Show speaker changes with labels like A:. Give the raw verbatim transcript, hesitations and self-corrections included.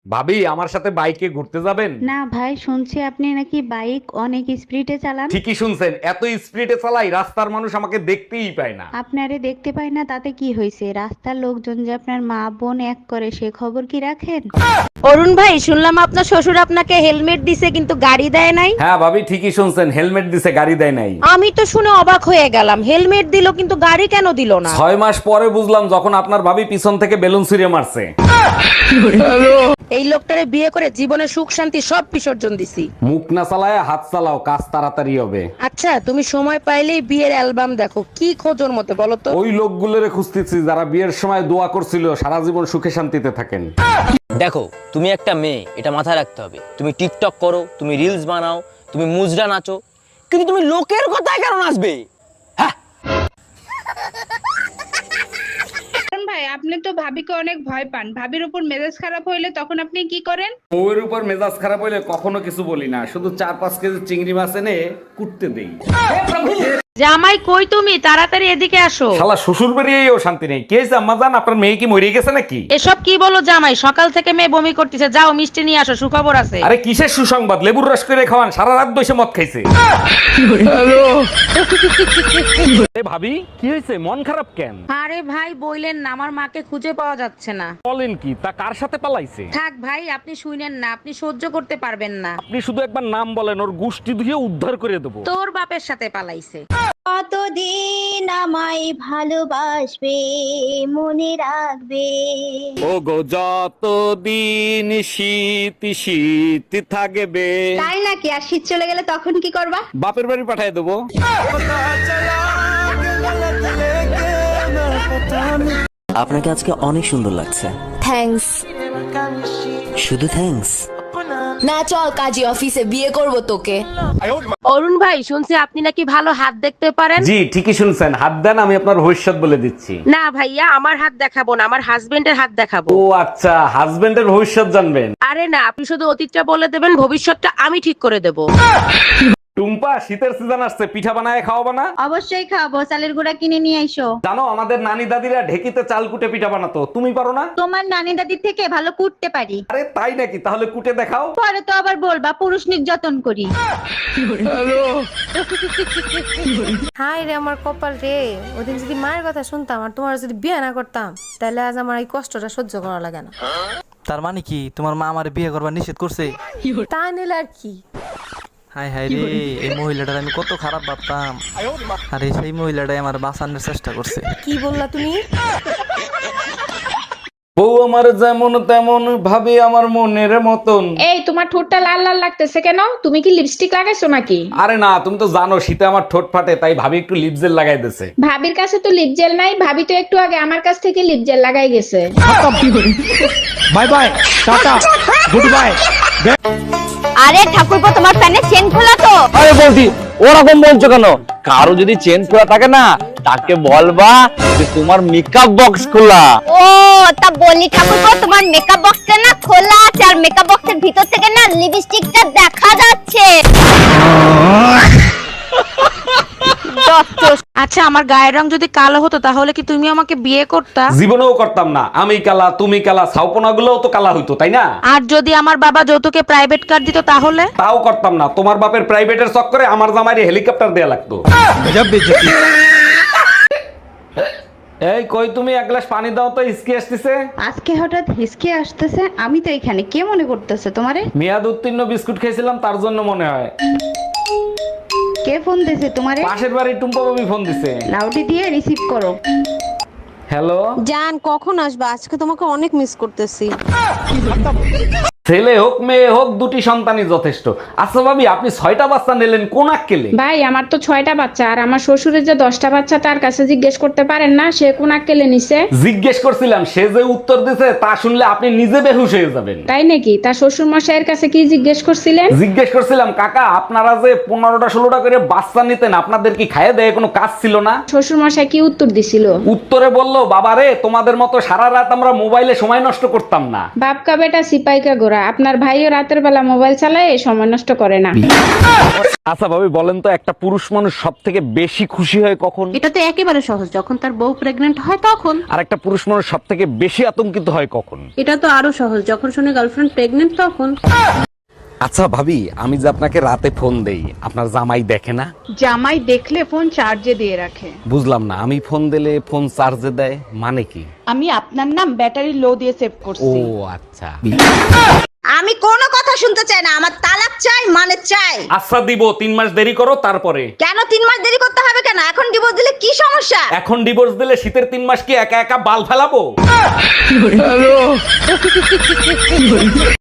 A: ভাবি আমার সাথে বাইকে ঘুরতে যাবেন?
B: না ভাই, শুনছি আপনি নাকি বাইক অনেক স্পিডে চালান।
A: ঠিকই শুনছেন, এত স্পিডে চালাই রাস্তার মানুষ আমাকে দেখতেই পায় না।
B: আপনারে দেখতে পাই না তাতে কি হয়েছে? রাস্তার লোকজন যে আপনার মা বোন এক করে সে খবর কি রাখেন?
C: অরুণ ভাই, শুনলাম আপনার শ্বশুর আপনাকে হেলমেট দিছে কিন্তু গাড়ি দেয় নাই।
A: হ্যাঁ ভাবি, ঠিকই শুনছেন, হেলমেট দিছে, গাড়ি দেয় নাই।
C: আমি তো শুনে অবাক হয়ে গেলাম, হেলমেট দিল কিন্তু গাড়ি কেন দিল না?
A: ছয় মাস পরে বুঝলাম যখন আপনার ভাবি পিছন থেকে বেলুন ছুঁড়ে মারছে।
C: এই লোকটারে বিয়ে করে জীবনে সুখ শান্তি সব বিসর্জন দিছি।
A: মুখ না চালায় হাত চালাও, কাজ তাড়াতাড়ি হবে।
C: আচ্ছা, তুমি সময় পাইলেই বিয়ের অ্যালবাম দেখো, কি খোঁজোর মতো বলো তো?
A: ওই লোকগুলোরে খুঁজতেছি যারা বিয়ের সময় দোয়া করছিল সারা জীবন সুখে শান্তিতে থাকেন।
D: দেখো, তুমি একটা মেয়ে, এটা মাথায় রাখতে হবে। তুমি টিকটক করো, তুমি রিলস বানাও, তুমি মুজরা নাচো, কিন্তু তুমি লোকের কথায় কেন নাচবে?
E: অরুণ ভাই, আপনি তো ভাবিকে অনেক ভয় পান। ভাবির উপর মেজাজ খারাপ হইলে তখন আপনি কি করেন?
A: ওর উপর মেজাজ খারাপ হইলে কখনো কিছু বলি না, শুধু চার পাঁচ কেজি চিংড়ি মাছ এনে কুটতে দেই।
C: জামাই কই তুমি? তাড়াতাড়ি এদিকে আসো।
A: শালা শ্বশুর বাড়িয়েও শান্তি নেই। কে আম্মা জান, আপনার মেয়ে কি মরে গেছে নাকি?
C: এসব কি বলো জামাই? সকাল থেকে মেয়ে বমি করতেছে, যাও মিষ্টি নিয়ে আসো, সুখবর আছে।
A: আরে কিসের সুসংবাদ? লেবুর রস করে খাওয়ান, সারা রাত বসে মদ খাইছে। এ ভাবি, কি হয়েছে? মন খারাপ কেন?
C: আরে ভাই বইলেন না, আমার মাকে খুঁজে পাওয়া যাচ্ছে না।
A: বলেন কি? তা কার সাথে পালাইছে?
C: থাক ভাই, আপনি শুনেন না, আপনি সহ্য করতে পারবেন না।
A: আপনি শুধু একবার নাম বলেন, ওর গুষ্টি ধুয়ে উদ্ধার করে দেবো।
C: তোর বাপের সাথে পালাইছে।
F: কতদিন আমায় ভালোবাসবে, মনে রাখবে।
A: ও গো, যতদিন শীত শীত থাকবে।
F: তাই নাকি? আর শীত চলে গেলে তখন কি করবা?
A: বাপের বাড়ি পাঠিয়ে দেবো।
G: আপনাকে আজকে অনেক সুন্দর লাগছে।
H: থ্যাঙ্কস।
G: শুধু থ্যাঙ্কস?
H: না, চল কাজী অফিসে, বিয়ে করব তোকে।
C: অরুণ ভাই, শুনছি আপনি নাকি ভালো হাত দেখতে পারেন।
A: জি ঠিকই শুনছেন, হাত দেন, আমি আপনার ভবিষ্যৎ বলে দিচ্ছি।
C: না ভাইয়া, আমার হাত দেখাবো না, আমার হাজবেন্ডের হাত দেখাবো।
A: ও আচ্ছা, হাজবেন্ডের ভবিষ্যৎ জানবেন?
C: আরে না, আপনি শুধু অতীতটা বলে দেবেন, ভবিষ্যৎটা আমি ঠিক করে দেব।
A: টুম্পা, শীতের সিজন আসছে, পিঠা বানায় খাওয়াবো না?
B: অবশ্যই খাবো, চালের গুঁড়া কিনে নিয়ে আইসো।
A: জানো আমাদের নানি দাদিরা ঢেকিতে চাল কুটে পিঠা বানাতো, তুমি পারো না?
B: তোমার নানি দাদির থেকে ভালো কুটতে পারি।
A: আরে তাই নাকি? তাহলে কুটে দেখাও।
B: পরে তো আবার বলবা পুরুষ নির্যাতন করি।
I: হাই রে আমার কপাল রে, ওদিন যদি মায়ের কথা শুনতাম আর তোমার যদি বিয়ে না করতাম, তাহলে আজ আমার এই কষ্টটা সহ্য করা লাগে না।
G: তার মানে কি তোমার মা আমার বিয়ে করবার নিষেধ করছে?
I: তা নিলে আর কি।
G: হাই হাই রে, এই মহিলাটার আমি কত খারাপ ভাবতাম, আরে সেই মহিলাটাই আমার বাঁচানোর চেষ্টা করছে।
I: কি বললা তুমি?
A: বউ আমার যেমন তেমন, ভাবে আমার মনের মতন।
E: এই, তোমার ঠোঁটটা লাল লাল লাগতেছে কেন? তুমি কি লিপস্টিক লাগাইছো নাকি?
A: আরে না, তুমি তো জানো শীতে আমার ঠোঁট ফাটে, তাই ভাবি একটু লিপ জেল লাগাই দিছে।
E: ভাবির কাছে তো লিপ জেল নাই, ভাবি তো একটু আগে আমার কাছ থেকে লিপ জেল লাগাই গেছে।
A: Bye bye, tata, good bye.
F: আরে ঠাকুরপো, তোমার প্যান্টের চেন খোলা তো?
D: আরে বলছি, ওরকম বলছো কেন? কারো যদি চেন খোলা থাকে না, তাকে বলবা যে তোমার মেকআপ বক্স খোলা।
F: ও, তা বলি ঠাকুরপো, তোমার মেকআপ বক্সটা না খোলা আছে, আর মেকআপ বক্সের ভিতর থেকে না লিপস্টিকটা দেখা যাচ্ছে।
C: আচ্ছা, আমার গায়ের রং যদি কালো হতো তাহলে কি তুমি আমাকে বিয়ে করতা?
A: জীবনেও করতাম না। আমি কালা, তুমি কালা, ছাউপনা গুলোও তো কালা হইতো, তাই না?
C: আর যদি আমার বাবা যৌতুকে প্রাইভেট কার দিত তাহলে?
A: তাও করতাম না। তোমার বাপের প্রাইভেটের চক্করে আমার জামাইরে হেলিকপ্টার দেয়া লাগতো। এই কই তুমি, এক গ্লাস পানি দাও তো, হিসকি আসতেছে।
B: আজকে হঠাৎ হিসকে আসতেছে? আমি তো এখানে, কে মনে করতেছে তোমারে?
A: মেয়াদ উত্তীর্ণ বিস্কুট খেয়েছিলাম, তার জন্য মনে হয়।
B: কে ফোন দিছে তোমারে?
A: পাশের বাড়ি টুম্পা বাবু ফোন দিছে।
B: লাউডি দিয়ে রিসিভ করো।
A: হ্যালো
I: জান, কখন আসবা? আজকে তোমাকে অনেক মিস করতেছি।
A: ছেলে হোক মেয়ে হোক, দুটি সন্তানই যথেষ্ট। আচ্ছা ভাবি, আপনি ছয়টা বাচ্চা নিলেন, কোন আক্কেলে?
E: ভাই, আমার তো ছয়টা বাচ্চা, আর আমার শ্বশুরের যে দশটা বাচ্চা, তার কাছে জিজ্ঞেস করতে পারেন না সে কোন আক্কেলে নিছে?
A: জিজ্ঞেস করছিলাম, সে যে উত্তর দিছে তা শুনলে আপনি নিজে বেহুশ হয়ে যাবেন।
E: তাই নাকি? তার শ্বশুর মশাইয়ের কাছে কি জিজ্ঞেস করছিলেন?
A: জিজ্ঞেস করছিলাম, কাকা আপনারা যে পনেরোটা ষোলোটা করে বাচ্চা নিতেন, আপনাদের কি খাইয়ে দেয় কোনো কাজ ছিল না?
E: শ্বশুর মশাই কি উত্তর দিছিল?
A: উত্তরে বললো, বাবা রে, তোমাদের মতো সারা রাত আমরা মোবাইলে সময় নষ্ট করতাম না।
E: বাপকা বেটা সিপাইকা গোরা। ওরা। আপনার ভাইও রাতের বেলা মোবাইল চালায়, সময় নষ্ট করে না।
A: আচ্ছা ভাবি বলেন তো, একটা পুরুষ মানুষ সব থেকে বেশি খুশি হয় কখন?
C: এটা তো একেবারে সহজ, যখন তার বউ প্রেগনেন্ট হয় তখন।
A: আর একটা পুরুষ মানুষ সব থেকে বেশি আতঙ্কিত হয় কখন?
C: এটা তো আরো সহজ, যখন শুনে গার্লফ্রেন্ড প্রেগনেন্ট তখন।
A: আচ্ছা ভাবি, আমি যে আপনাকে রাতে ফোন দেই, আপনার জামাই দেখে না?
E: জামাই দেখলে ফোন চার্জে দিয়ে রাখে।
A: বুঝলাম না, আমি ফোন দিলে ফোন চার্জে দেয় মানে কি?
E: আমি আপনার নাম ব্যাটারি লো দিয়ে সেভ
A: ও
E: করছি।
A: আচ্ছা।
F: আমি কোনো কথা শুনতে চাই না, আমার তালাক চাই মানে চাই।
A: আচ্ছা দিব, তিন মাস দেরি করো তারপরে।
F: কেন তিন মাস দেরি করতে হবে কেন? এখন ডিভোর্স দিলে কি সমস্যা?
A: এখন ডিভোর্স দিলে শীতের তিন মাস কি একা একা বাল ফেলাবো?